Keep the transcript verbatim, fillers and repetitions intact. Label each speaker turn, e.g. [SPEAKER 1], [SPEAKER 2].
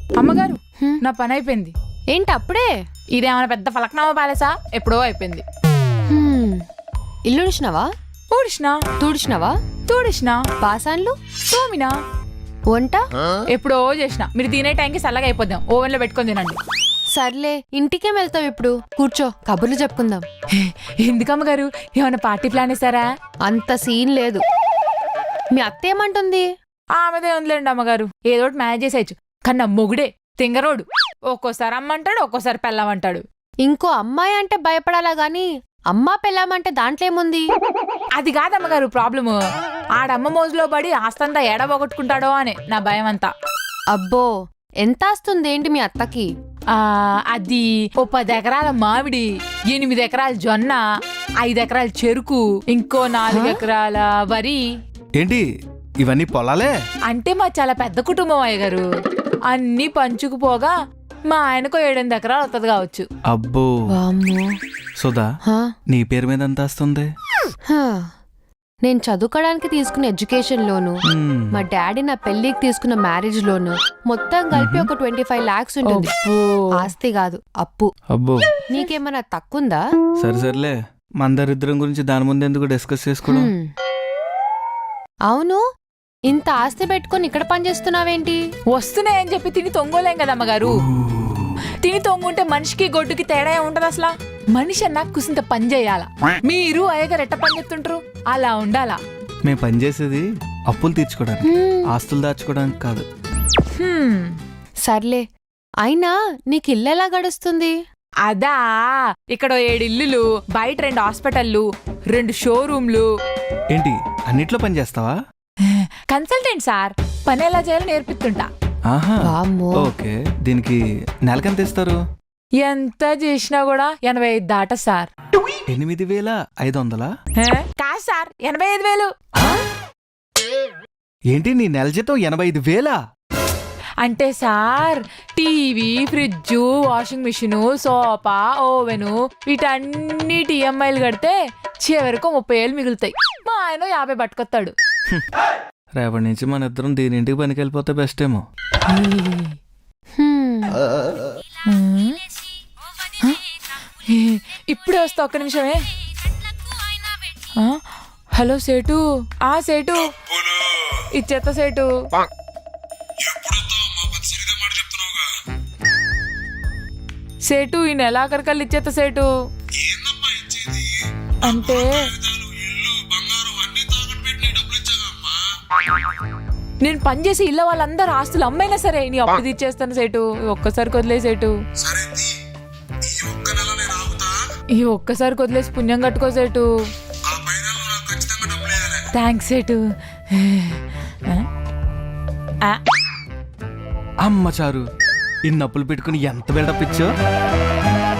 [SPEAKER 1] అమ్మగారు నా పని అయిపోయింది.
[SPEAKER 2] ఏంటి అప్పుడే?
[SPEAKER 1] ఇదేమైనా పెద్ద ఫలక్నామా ప్యాలెసా? ఎప్పుడో అయిపోయింది.
[SPEAKER 2] ఇల్లు ఉడిచినావా?
[SPEAKER 1] ఊడిసినా.
[SPEAKER 2] తుడిచినావా?
[SPEAKER 1] తూడిసినా.
[SPEAKER 2] పాసాన్లు
[SPEAKER 1] తోమినా.
[SPEAKER 2] వంట
[SPEAKER 1] ఎప్పుడో చేసిన. మీరు తినే టైంకి చల్లగా అయిపోద్దాం, ఓవెన్ లో పెట్టుకొని తినండి.
[SPEAKER 2] సర్లే, ఇంటికేం వెళ్తావు ఇప్పుడు? కూర్చో, కబుర్లు చెప్పుకుందాం.
[SPEAKER 1] ఎందుకమ్మగారు, ఏమైనా పార్టీ ప్లాన్ వేసారా?
[SPEAKER 2] అంత సీన్ లేదు. మీ అత్త ఏమంటుంది?
[SPEAKER 1] ఆమెదే ఉందిలేండి అమ్మగారు, ఏదోటి మేనేజ్ చేసేయచ్చు. కానీ నా మొగుడే తింగరోడు. ఒక్కోసారి అమ్మంటాడు, ఒక్కోసారి పెళ్ళామంటాడు.
[SPEAKER 2] ఇంకో అమ్మాయి అంటే భయపడాలా గాని అమ్మా పెళ్ళామంటే దాంట్లో ఏముంది?
[SPEAKER 1] అది కాదమ్మగారు ప్రాబ్లము. ఆడమ్మ మోజులో పడి ఆస్తంతా ఎడబొగొట్టుకుంటాడో అని నా భయం అంతా.
[SPEAKER 2] అబ్బో, ఎంత ఆస్తుంది ఏంటి మీ అత్తకి?
[SPEAKER 1] ఆ అది ఓ పది ఎకరాల మామిడి, ఎనిమిది ఎకరాల జొన్న, ఐదు ఎకరాల చెరుకు, ఇంకో నాలుగు ఎకరాల వరి.
[SPEAKER 3] ఏంటి ఇవన్నీ పొలాలే?
[SPEAKER 1] అంటే మా చాలా పెద్ద కుటుంబం అయ్యగారు. అన్ని పంచుకుపోగా మా ఆయనకు ఏడెనిమిది ఎకరాలు వస్తుంది కావచ్చు.
[SPEAKER 3] అబ్బో. సుధా, నీ పేరు మీద ఎంత వస్తుంది?
[SPEAKER 2] నేను చదువుకోవడానికి తీసుకున్న ఎడ్యుకేషన్ లోను, మా డాడీ నా పెళ్లికి తీసుకున్న మ్యారేజ్ లోను మొత్తం కలిపి ఒక ట్వంటీ ఫైవ్ లాక్స్ ఉంటుంది. ఆస్తి కాదు, అప్పు.
[SPEAKER 3] అబ్బో.
[SPEAKER 2] నీకేమన్నా తక్కువందా?
[SPEAKER 3] సరే సర్లే, మందరిద్దరం గురించి దాని ముందు ఎందుకు డిస్కస్ చేసుకోవడం?
[SPEAKER 2] అవును, ఇంత ఆస్తి పెట్టుకుని ఇక్కడ పని చేస్తున్నావేంటి?
[SPEAKER 1] వస్తున్నాయని చెప్పి తిని తొంగోలేం కదమ్మగారు. తిని తొంగుంటే మనిషికి గొడ్డుకి తేడా ఉంటది అసలు. మనిషి అన్నా కుసింత పని చేయాలా. మీరు అయ్యగారు ఎట్ట పని చేస్తుంటారు, అలా ఉండాలా.
[SPEAKER 3] మేము పని చేసేది అప్పులు తీర్చుకోవడానికి, ఆస్తులు దాచుకోవడానికి కాదు.
[SPEAKER 2] సర్లే, అయినా నీకు ఇల్లు ఎలా గడుస్తుంది?
[SPEAKER 1] అదా, ఇక్కడ ఏడు ఇల్లులు, బయట రెండు హాస్పిటల్లు, రెండు షోరూమ్లు.
[SPEAKER 3] ఏంటి అన్నిట్లో పని చేస్తావా?
[SPEAKER 1] కన్సల్టెంట్ సార్, పని ఎలా చేయాలో నేర్పిస్తుంటా.
[SPEAKER 3] ఆహా, ఓకే. దీనికి నెలకెంత ఇస్తారు?
[SPEAKER 1] ఎంత చేసినా కూడా ఎనభై ఐదు దాట సార్.
[SPEAKER 3] ఎనిమిది వేల ఐదు వందలా?
[SPEAKER 1] కాదు సార్, ఎనభై ఐదు వేలు.
[SPEAKER 3] ఏంటి నీ నెల జీతం ఎనభై ఐదు వేలా?
[SPEAKER 1] అంటే sir, TV, fridge, washing machine, sofa, oven వీటన్నిటి ఈఎంఐలు కడితే చివరికి ముప్పై ఏళ్ళు మిగులుతాయి. మా ఆయన యాభై పట్టుకొస్తాడు.
[SPEAKER 3] రేపటి నుంచి మన ఇద్దరం దీని ఇంటికి పనికి వెళ్ళిపోతే బెస్ట్ ఏమో.
[SPEAKER 1] ఇప్పుడే వస్తా, ఒక్క నిమిషమే. హలో సేటు. ఆ సేటు ఇచ్చేత సేటు. సేటు ఈ నెల ఆఖరికల్లి ఇచ్చేత సేటు. అంటే నేను పనిచేసి ఇళ్ళ వాళ్ళందరూ ఆస్తులు అమ్మైనా సరే నీ అప్పు తీర్చేస్తాను సేటు. ఒక్కసారి వదిలేసేటు. ఈ ఒక్కసారి వదిలేసి పుణ్యం కట్టుకో సేటు. థ్యాంక్స్ సేటు.
[SPEAKER 3] అమ్మ చారు, ఇన్ని అప్పులు పెట్టుకుని ఎంత బిల్డప్ ఇచ్చో.